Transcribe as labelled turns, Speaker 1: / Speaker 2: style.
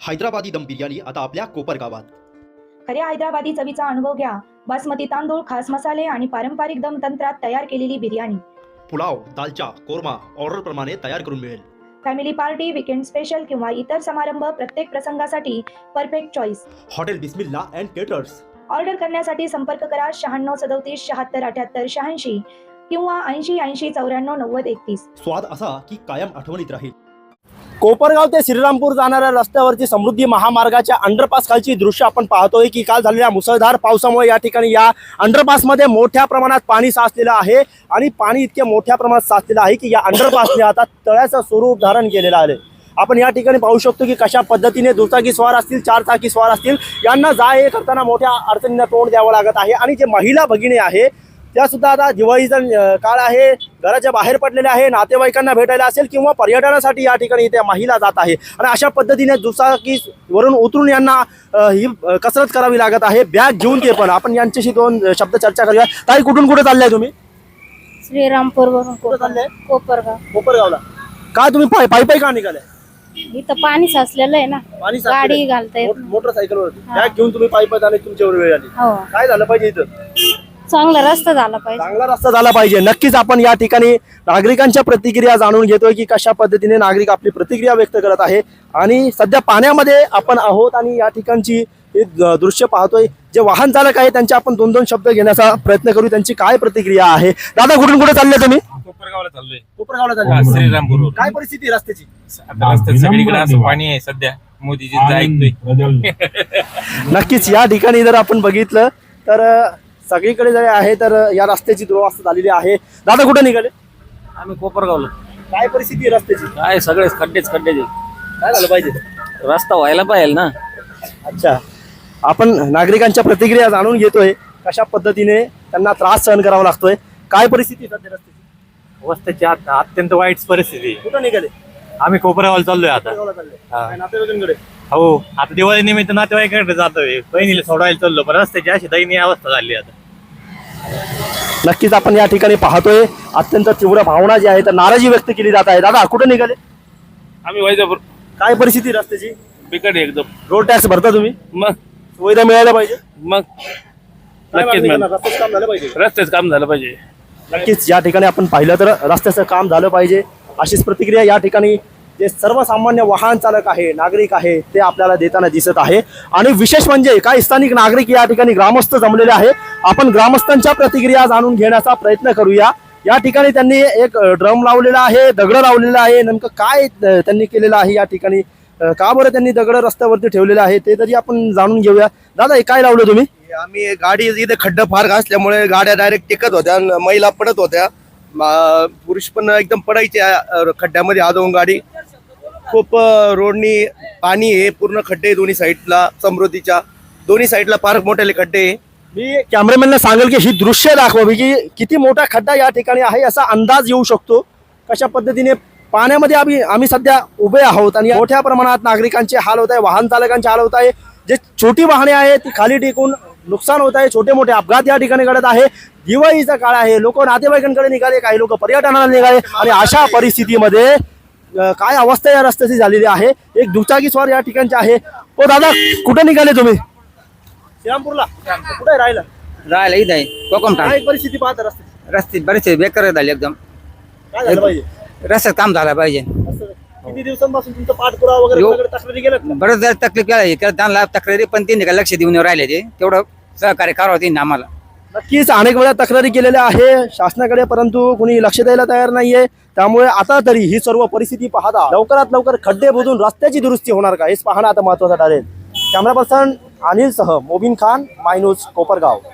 Speaker 1: हैदराबादी दम बिर्याणी आता आपल्या कोपरगावात।
Speaker 2: खऱ्या हैदराबादी चवीचा अनुभव घ्या। बासमती तांदूळ, खास मसाले आणि पारंपरिक दम तंत्रात तयार केलेली बिर्याणी।
Speaker 1: पुलाव, दालचा, कोरमा ऑर्डर प्रमाणे तयार करून मिळेल।
Speaker 2: फॅमिली पार्टी, वीकेंड स्पेशल किंवा इतर समारंभ प्रत्येक प्रसंगासाठी perfect choice.
Speaker 1: Hotel Bismillah and caterers.
Speaker 2: Order करण्यासाठी संपर्क करा 96 37 76 78 86 किंवा 80 80 94 90 31।
Speaker 1: स्वाद असा की कायम आठवणीत राहील।
Speaker 3: कोपरगाव ते श्रीरामपूर जाणाऱ्या रस्त्यावरची समृद्धी महामार्गाच्या अंडरपास खालची दृश्य आपण पाहतोय की काल झालेल्या मुसळधार पावसामुळे या ठिकाणी या अंडरपासमध्ये मोठ्या प्रमाणात पाणी साचलेलं आहे आणि पाणी इतके मोठ्या प्रमाणात साचलेलं आहे की या अंडरपासने आता तळ्याचं स्वरूप धारण केलेलं आहे। आपण या ठिकाणी पाहू शकतो की कशा पद्धतीने दुचाकी स्वार असतील, चारचाकी स्वार असतील, यांना जा ये करताना मोठ्या अडचणींना तोंड द्यावं लागत आहे। आणि जे महिला भगिनी आहे त्या सुद्धा आता दिवाळीचा काळ आहे, घराच्या बाहेर पडलेल्या आहे, नातेवाईकांना भेटायला असेल किंवा पर्यटनासाठी या ठिकाणी त्या महिला जात आहे आणि अशा पद्धतीने दुचाकीवरून उतरून यांना ही कसरत करावी लागत आहे, बॅग घेऊन ते पण। आपण यांच्याशी दोन शब्द चर्चा करूया। ताई, कुठून कुठे चाललाय तुम्ही?
Speaker 4: श्रीरामपूर वरून
Speaker 3: कुठे चाललाय?
Speaker 4: कोपरगाव।
Speaker 3: काय तुम्ही पायी का निघालाय?
Speaker 4: इथं पाणी साचलेलं आहे ना,
Speaker 3: पाणी
Speaker 4: गाडी घालताय
Speaker 3: मोटरसायकलवर बॅग घेऊन तुम्ही पायी जाणे तुमच्यावर वेळ आली।
Speaker 4: हो,
Speaker 3: काय झालं पाहिजे इथं?
Speaker 4: चांगला रस्ता झाला पाहिजे।
Speaker 3: चांगला रस्ता झाला पाहिजे। नक्कीच आपण या ठिकाणी नागरिकांच्या प्रतिक्रिया जाणून घेतोय की कशा पद्धतीने नागरिक आपली प्रतिक्रिया व्यक्त करत आहे। आणि सध्या पाण्यामध्ये आपण आहोत आणि या ठिकाणची दृश्य पाहतोय। जे वाहन चालक आहे त्यांचे आपण दोन दोन शब्द घेण्याचा प्रयत्न करू, त्यांची काय प्रतिक्रिया आहे। दादा, कुठून कुठे चालले तुम्ही?
Speaker 5: कोपरगावला चाललोय।
Speaker 3: कोपरगावला चालले,
Speaker 5: श्रीरामपूर।
Speaker 3: काय परिस्थिती आहे रस्त्याची?
Speaker 5: आता रस्त्यात सगळीकडे असं पाणी आहे सध्या, मोदीजी ऐकतोय।
Speaker 3: नक्कीच या ठिकाणी जर आपण बघितलं तर सगळीकडे जे आहे तर या रस्त्याची दुरवस्था झालेली आहे। दादा, कुठे निघाले?
Speaker 5: आम्ही कोपरगावला।
Speaker 3: काय परिस्थिती आहे रस्त्याची?
Speaker 5: काय सगळे खड्डेच खड्डे।
Speaker 3: काय झालं पाहिजे?
Speaker 5: रस्ता व्हायला पाहिजे ना।
Speaker 3: अच्छा, आपण नागरिकांच्या प्रतिक्रिया जाणून घेतोय कशा पद्धतीने त्यांना त्रास सहन करावा लागतोय। काय परिस्थिती सध्या रस्त्याची?
Speaker 5: रस्त्याची अत्यंत वाईट परिस्थिती।
Speaker 3: कुठं निघाले?
Speaker 5: आम्ही कोपरगावला चाललोय आता।
Speaker 3: कोपरगावला चालले? काय नातेवाईकांकडे?
Speaker 5: हो, आता दिवाळी निमित्त नातेवाईकांकडे जातोय, बहिणीला सोडायला चाललो, पण रस्त्याची अशी दयनीय अवस्था झाली आता।
Speaker 3: नक्कीच आपण या ठिकाणी पाहतोय अत्यंत तीव्र भावना जी आहे तर नाराजी व्यक्त केली जात आहे। दादा, कुठे निघाले?
Speaker 5: आम्ही वैजापूर।
Speaker 3: काय परिस्थिती रस्त्याची?
Speaker 5: बिकट एकदम।
Speaker 3: रोड टॅक्स भरता तुम्ही?
Speaker 5: मग
Speaker 3: सुविधा मिळायला पाहिजे।
Speaker 5: मग
Speaker 3: काय
Speaker 5: नक्कीच
Speaker 3: मागणी
Speaker 5: मॅम,
Speaker 3: करणार? रस्त्याचं काम झालं पाहिजे।
Speaker 5: रस्त्याचं काम झालं पाहिजे।
Speaker 3: नक्कीच या ठिकाणी आपण पाहिलं तर रस्त्याचं काम झालं पाहिजे अशीच प्रतिक्रिया या ठिकाणी जे सर्वसामान्य वाहन चालक आहे, नागरिक आहे, ते आपल्याला देताना दिसत आहे। आणि विशेष म्हणजे काही स्थानिक नागरिक या ठिकाणी ग्रामस्थ जमलेले आहे। आपण ग्रामस्थांच्या प्रतिक्रिया जाणून घेण्याचा प्रयत्न करूया। या ठिकाणी त्यांनी एक ड्रम लावलेला आहे, दगड लावलेला आहे, नेमकं काय त्यांनी केलेलं आहे या ठिकाणी, का बरं त्यांनी दगड रस्त्यावरती ठेवलेले आहे ते तरी आपण जाणून घेऊया। दादा, हे काय लावलं तुम्ही?
Speaker 6: आम्ही गाडी इथे खड्डा फार असल्यामुळे गाड्या डायरेक्ट टेकत होत्या, महिला पडत होत्या, पुरुष पण एकदम पडायचे खड्ड्यामध्ये आदवून गाडी। खूप रोडनी पाणी आहे, पूर्ण खड्डे दोन्ही साईडला, समृद्धीच्या दोन्ही साईडला फार मोठे खड्डे आहे।
Speaker 3: मी कॅमेरामॅनला सांगेल की ही दृश्य दाखवावी की किती मोठा खड्डा या ठिकाणी आहे असा अंदाज येऊ शकतो। कशा पद्धतीने पाण्यामध्ये आम्ही सध्या उभे आहोत आणि मोठ्या प्रमाणात नागरिकांचे हाल होत आहे, वाहन चालकांचे हाल होत आहे। जे छोटी वाहने आहेत ती खाली टेकून नुकसान होत आहे, छोटे मोठे अपघात या ठिकाणी घडत आहे। दिवाळीचा काळ आहे, लोक नातेवाईकांकडे निघाले, काही लोक पर्यटनाला निघाले आणि अशा परिस्थितीमध्ये काय अवस्था या रस्त्याची झालेली आहे। एक दुचाकी स्वार या ठिकाणचे आहे। ओ दादा, कुठे निघाले तुम्ही? श्रीरामपूरला? कुठे राहिला
Speaker 7: इथं आहे कोकमठाण।
Speaker 3: काय परिस्थिती पाहता रस्त्याची?
Speaker 7: रस्ते बरेचसे बेकार झाले एकदम।
Speaker 3: काय झालं पाहिजे?
Speaker 7: रस्त्यात काम झालं पाहिजे।
Speaker 3: किती दिवसांपासून तुमचा पाठपुरावा वगैरे कोणाकडे तक्रारी गेल्यात का?
Speaker 7: बरेच जर तकलीफ केली त्यांना तक्रारी, पण त्यांनी काय लक्ष देऊन राहिले, ते तेवढं सहकार्य करावं त्यांनी आम्हाला।
Speaker 3: नक्कीच अनेक वेळा तक्रारी केलेल्या आहे शासनाकडे, परंतु कुणी लक्ष द्यायला तयार नाहीये। त्यामुळे आता तरी ही सर्व परिस्थिती पाहता लवकरात लवकर खड्डे बुजून रस्त्याची दुरुस्ती होणार का हेच पाहणं आता महत्त्वाचं ठरेल। कॅमेरा पर्सन अनिल सह मोबिन खान, माय न्यूज, कोपरगाव।